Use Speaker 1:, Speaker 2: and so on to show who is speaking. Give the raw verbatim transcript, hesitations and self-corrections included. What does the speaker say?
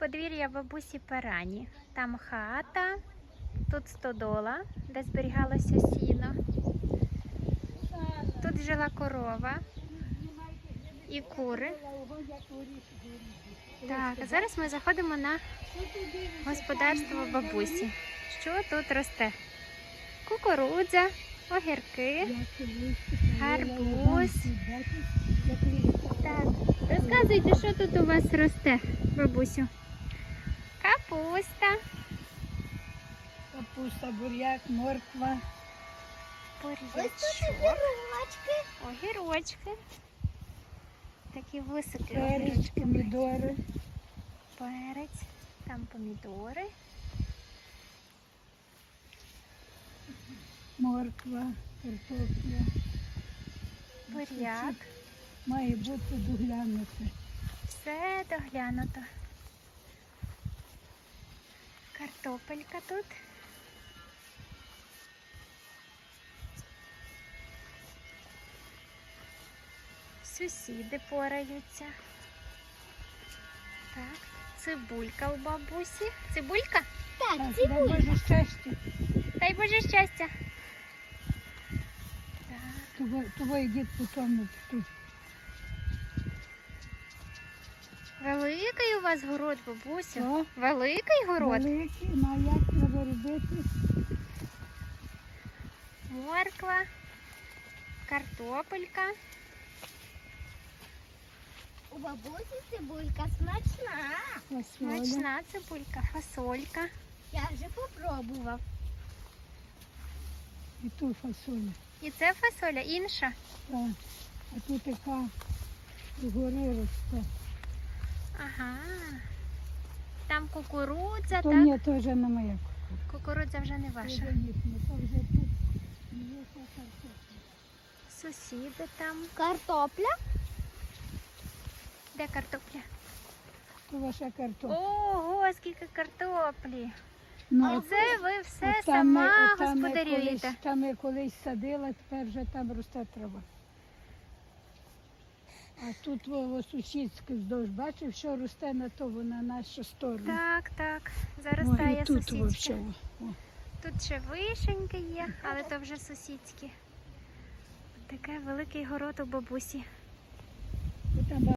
Speaker 1: подвір'я бабусі Парані. Там хата, тут стодола, де зберігалося сіно. Тут жила корова і кури. Так, а зараз ми заходимо на господарство бабусі. Що тут росте? Кукурудза, огірки, гарбуз. Так, розказуйте, що тут у вас росте, бабусю? Капуста.
Speaker 2: Капуста, буряк, морква.
Speaker 1: Бурячок. Огірочки. Такі високі
Speaker 2: Перець,
Speaker 1: огірочки.
Speaker 2: помідори.
Speaker 1: Перець, там помідори.
Speaker 2: Морква, картопля.
Speaker 1: Буряк.
Speaker 2: Має бути доглянути.
Speaker 1: Все доглянуто. Картопелька тут. Сусіди пораються. Так, цибулька у бабусі. Цибулька?
Speaker 2: Так, дай Боже щастя.
Speaker 1: Дай Боже щастя. Так.
Speaker 2: Того, того йдіть по тому. Тут.
Speaker 1: Великий у вас город, бабусю?
Speaker 2: Що?
Speaker 1: Великий город?
Speaker 2: Великий, ну а як треба робити?
Speaker 1: Морква, картопелька.
Speaker 3: У бабусі цибулька смачна.
Speaker 2: Фасоля.
Speaker 1: Смачна цибулька, фасолька.
Speaker 3: Я вже попробував.
Speaker 2: І ту фасоля.
Speaker 1: І це фасоля інша.
Speaker 2: Так. А тут така згори росте.
Speaker 1: Ага. Там кукурудза,
Speaker 2: То
Speaker 1: так?
Speaker 2: ні, то вже не моя.
Speaker 1: Кукурудза вже не
Speaker 2: То
Speaker 1: ваша.
Speaker 2: вже їхня, то вже тут. Є та картопля.
Speaker 1: Сусіди там.
Speaker 3: Картопля?
Speaker 1: Де картопля?
Speaker 2: То ваша картопля.
Speaker 1: Ого, скільки картоплі.
Speaker 2: Ну,
Speaker 1: Оце ви все
Speaker 2: от там ми-
Speaker 1: сама
Speaker 2: от там ми
Speaker 1: господарюєте.
Speaker 2: колись- Там я колись садила, тепер вже там росте трава. А тут во сусідське вздовж, бачив, що росте на то, на нашу сторону.
Speaker 1: Так, так. Зараз
Speaker 2: О,
Speaker 1: стає
Speaker 2: і тут
Speaker 1: сусідська.
Speaker 2: вовче. О.
Speaker 1: Тут ще вишеньки є, але то вже сусідські. Таке великий город у бабусі.